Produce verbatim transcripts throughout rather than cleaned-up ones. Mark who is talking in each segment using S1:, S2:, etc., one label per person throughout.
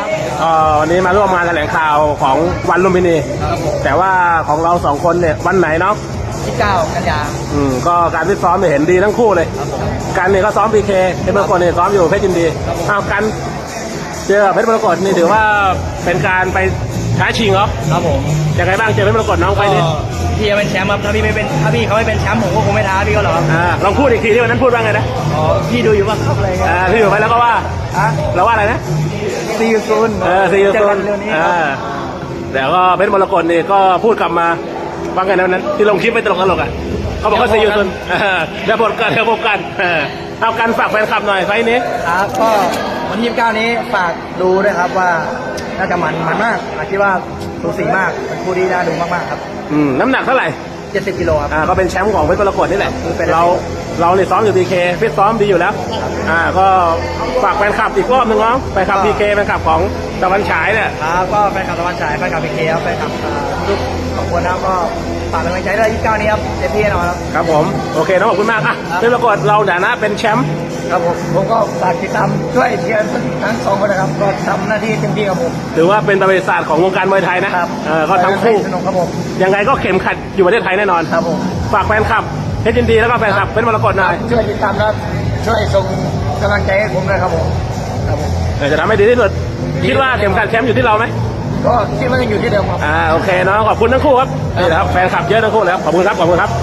S1: วันนี้มาร่วมงานแถลงข่าวของวันลุมพินีแต่ว่าของเราสองคนเนี่ยวันไหนเนาะ
S2: ที่เก้ากันยา
S1: อืมก็การฟิตซ้อมเนี่ยเห็นดีทั้งคู่เลยกันเนี่ยก็ซ้อมพีเคเพชรมรกตเนี่ยซ้อมอยู่เพชรยินดีเอากันเจอเพชรมรกตนี่ถือว่าเป็นการไปท้าชิงเหรอ
S2: ครับผม
S1: ยังไงบ้างเจอเพชรมรกตน้องไปนี่
S2: พี่จะเป็นแชมป์ครับถ้าพี่ไม่เป็นถ้าพี่เขาไม่เป็นแชมป์ผมก็คงไม่ท้าพี่ก็หรอก
S1: อ่าลองพูดอีกทีที่วันนั้นพูดว่าไงนะ
S2: อ๋อพี่ดูอยู่ว่าครับอะไรเงี้ย
S1: อ่าพี่อยู่ไปแล้วก็ว่า
S2: อ่ะ
S1: เราว่าอะไรนะ
S2: ซีอูซูน
S1: เออซีอูซูนอ่าแต่ก็เพชรมรกตนี่ก็พูดกลับมาว่าไงนั้นที่ลงคลิปไปตลกตลกอ่ะเขาบอกว่าซีอูซูนเดี๋ยวพบกันเดี๋ยวพบกันเอากันฝากแฟนคลับหน่อยไฟนี้
S2: ครับก็วันที่ยี่สิบเก้านี้ฝากดูด้วยครับว่าน่าจะมันมันมากคิดว่าสูสีมากเป็นคู่ที่น่าดูมากๆครับ
S1: อืมน้ำหนักเท่าไหร่
S2: เจ็ดสิบกิโลครับ
S1: อ่าก็เป็นแชมป์ของเพชรมรกตนี่แหละเราเราเนี่ยซ้อมอยู่พีเคฟิตซ้อมดีอยู่แล้วอ่าก็ฝากแฟนคลับอีกรอบหนึ่งน้องแฟนคลับพีเคแฟนคลับของตะวันฉายเนี่ย
S2: ครับก็แฟนคลับตะวันฉายแฟนคลับพีเคครับแฟนคลับทุกสองคนนะก็ฝากกำลังใจด้วยยี่สิบเก้านี้ครับเต็มที่แน่นอนครับ
S1: ครับผมโอเคน้องขอบคุณมากอ่ะเพชรมรกตเราเนี่ยนะเป็นแชมป์
S2: ครับผมผมก็ฝากติดตามช่วยเชียร์ทั้งสองคนนะครับก็ทำหน้าที่เต็มที่ครับผม
S1: ถือว่าเป็นประวัติศาสตร์ของวงการมวยไทยนะครับเออก็ทั้งคู่
S2: สนุกครับผม
S1: ยังไงก็เข็มขัดอยู่ประเทศไทยแน่นอน
S2: ครับผม
S1: ฝากแฟนคลับเพชรยินดีแล้วก็แฟนคลับเพชรมรกตหน่อย
S2: ช่วยติดตามและช่วยส่งกำลังใจให้ผมด้วยครับผมครับผม
S1: จะทำให้ดีที่สุดคิดว่าเข็มขัดแชมป์อยู่ที่เราไหม
S2: ก็คิดว่ายังอยู่ที่เดิมครับ
S1: อ่าโอเคน้องขอบคุณทั้งคู่ครับนี่แหละครับแฟนคลับเยอะทั้งคู่แล้วขอบคุณครับขอบคุณครับ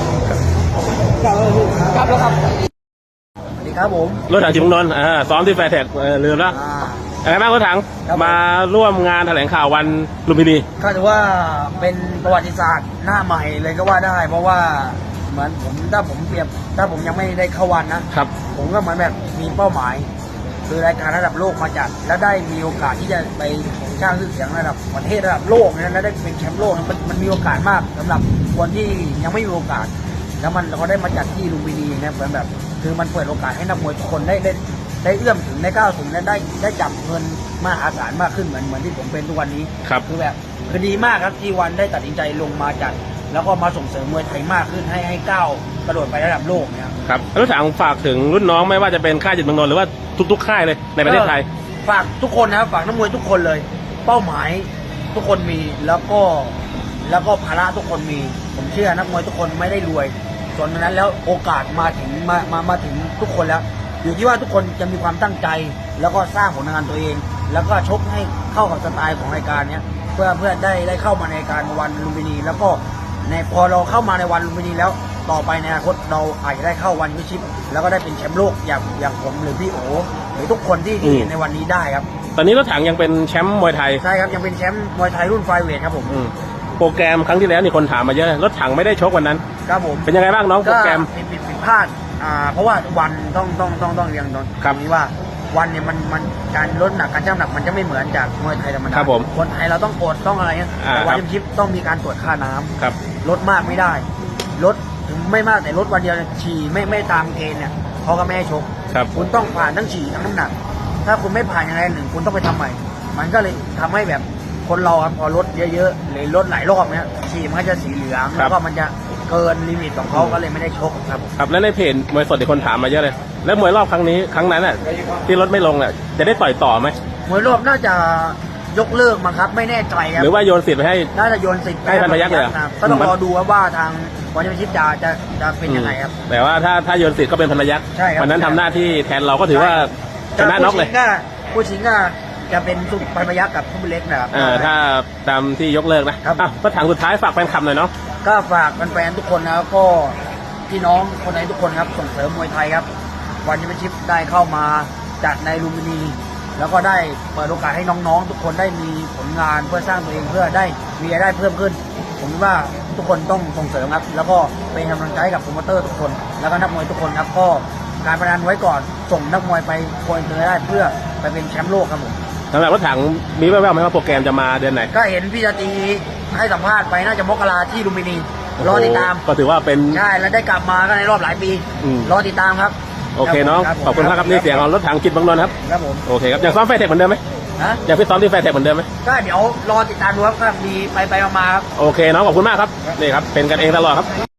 S2: ครับแล้วครับสวัสดีครับผม
S1: รถถังจิมงนนท์อ่าซ้อมที่แฟร์แท็กลืมแล้วอะไรบ้างรถถังมาร่วมงานแถลงข่าววันลุมพินี
S2: ก็ถือว่าเป็นประวัติศาสตร์หน้าใหม่เลยก็ว่าได้เพราะว่าเหมือนผมถ้าผมเปรียบถ้าผมยังไม่ได้เข้าวันนะครับผมก็เหมือนแบบมีเป้าหมายคือรายการระดับโลกมาจัดแล้วได้มีโอกาสที่จะไปสร้างชื่อเสียงระดับประเทศระดับโลกนั้นแล้วได้เป็นแชมป์โลกมันมันมีโอกาสมากสำหรับคนที่ยังไม่มีโอกาสแล้วมันเราได้มาจัดที่ลุมพินีเนี่ยเหมือนแบบคือมันเปิดโอกาสให้นักมวยทุกคนได้ได้ได้เอื้อมถึงได้ก้าวถึงและได้ได้จับเงินมหาศาลมากขึ้นเหมือนเหมือนที่ผมเป็นทุกวันนี้
S1: ครับ
S2: คือแบบคือดีมากครับที่วันได้ตัดสินใจลงมาจัดแล้วก็มาส่งเสริมมวยไทยมากขึ้นให้ให้ก้าวกระโดดไประดับโลกเนี่ย
S1: ครับรถถังฝากถึงรุ่นน้องไม่ว่าจะเป็นค่ายจิตเมืองนนท์หรือว่าทุกๆค่ายเลยในประเทศไทย
S2: ฝากทุกคนนะครับฝากนักมวยทุกคนเลยเป้าหมายทุกคนมีแล้วก็แล้วก็ภาระทุกคนมีผมเชื่อนักมวยทุกคนไม่ได้รวยส่วนนั้นแล้วโอกาสมาถึงมามามาถึงทุกคนแล้วอยู่ที่ว่าทุกคนจะมีความตั้งใจแล้วก็สร้างผลงานตัวเองแล้วก็ชกให้เข้ากับสไตล์ของรายการเนี้ยเพื่อเพื่อได้ได้เข้ามาในการวันลุมพินีแล้วก็ในพอเราเข้ามาในวันลุมพินีแล้วต่อไปในอนาคตเราอาจจะได้เข้าวันวิชิปแล้วก็ได้เป็นแชมป์โลกอย่างอย่างผมหรือพี่โอหรือทุกคนที่ที่เห็นในวันนี้ได้ครับ
S1: ตอนนี้รถถังยังเป็นแชมป์มวยไทย
S2: ใช่ครับยังเป็นแชมป์มวยไทยรุ่นไฟเวทครับผม
S1: โปรแกรมครั้งที่แล้วนี่คนถามมาเยอะรถถังไม่ได้ชกวันนั้น
S2: ครับผม
S1: เป็นยังไงบ้างน้องโปรแกรม
S2: ผิดผิดพลาดอ่าเพราะว่าวันต้องต้องต้องต้องเรียงตรงนี้ว่าวันเนี่ยมันมันการลดหนักการชั่งน้ำหนักมันจะไม่เหมือนจากมวยไทยธรรมดาคนไทยเราต้องกดต้องอะไรเงี้ยวันยิมชิปต้องมีการตรวจค่าน้ำลดมากไม่ได้ลดถึงไม่มากแต่ลดวันเดียวฉี่ไม่ไม่ตามเกณฑ์เนี่ยเขาก็ไม่ให้ชกคุณต้องผ่านทั้งฉี่ทั้งน้ำหนักถ้าคุณไม่ผ่านอย่างไรหนึ่งคุณต้องไปทำใหม่มันก็เลยทำให้แบบคนเราพอลดเยอะๆหรือลดหลายรอบเนี้ยฉี่มันก็จะสีเหลืองแล้วก็มันจะเกินลิมิตของเขาก็เลยไม่ได้ชกครับ
S1: ครับแล้วในเพจมวยสดที่คนถามมาเยอะเลยแล้วมวยรอบครั้งนี้ครั้งนั้นน่ะที่ลดไม่ลงน่ะจะได้ต่อยต่อไหม
S2: มวยรอบน่าจะยกเลิกมั้งครับไม่แน่ใจครับ
S1: หรือว่าโยนสิทธิ์ไปให้
S2: น่าจะโยนสิทธิ์
S1: ให้พันพยัคฆ์เลย
S2: ก็ต้องรอดูว่าทางวันยิมชิปจะจะจะเป็นยังไงครับ
S1: แต่ว่าถ้าถ้าโยนสิทธิ์ก็เป็นพันพยัคฆ์วันนั้นทำหน้าที่แทนเราก็ถือว่าชนะน็อกเลย
S2: ผู้ชิงก็จะเป็นสุพันพยัคฆ์กับผู้เล็กนะครับ
S1: ถ้าตามที่ยกเลิกนะอ่ะก็ถามสุดท้ายฝากแฟนคลับหน่อยเนาะ
S2: ก็ฝากแฟนๆทุกคนนะครับก็พี่น้องคนไทยทุกคนครับส่งเสริมมวยไทยครับวันยิมชิปได้เข้ามาจัดในลุมพินีแล้วก็ได้เปิดโอกาสให้น้องๆทุกคนได้มีผลงานเพื่อสร้างตัวเองเพื่อได้มีรายได้เพิ่มขึ้นผมว่าทุกคนต้องส่งเสริมครับแล้วก็เป็นกำลังใจกับโปรโมเตอร์ทุกคนแล้วก็นักมวยทุกคนครับก็การพนันไว้ก่อนส่งนักมวยไปโกยเตอร์ได้เพื่อไปเป็นแชมป์โลกครับผม
S1: สำหรับรถถังมีแว่วๆไหมว่าโปรแกรมจะมาเดือนไหน
S2: ก็เห็นพี่ชาตรีให้สัมภาษณ์ไปน่าจะมกราที่ลุมพินีรอติดตาม
S1: ก็ถือว่าเป็น
S2: ใช่แล้วได้กลับมาก็ในรอบหลายปีรอติดตามครับ
S1: โอเคน้องขอบคุณครับนี่เสียงของรถถังจิตเมืองนนท์ครับ
S2: ครับผม
S1: โอเคครับยังซ้อมแฟร์เทคเหมือนเดิมไหมยังพี่ซ้อมที่แฟร์เทคเหมือนเดิมไหม
S2: ก็เดี๋ยวรอติดตามดูครับก็มีไปไปมาครับ
S1: โอเคน้องขอบคุณมากครับนี่ครับเป็นกันเองตลอดครับ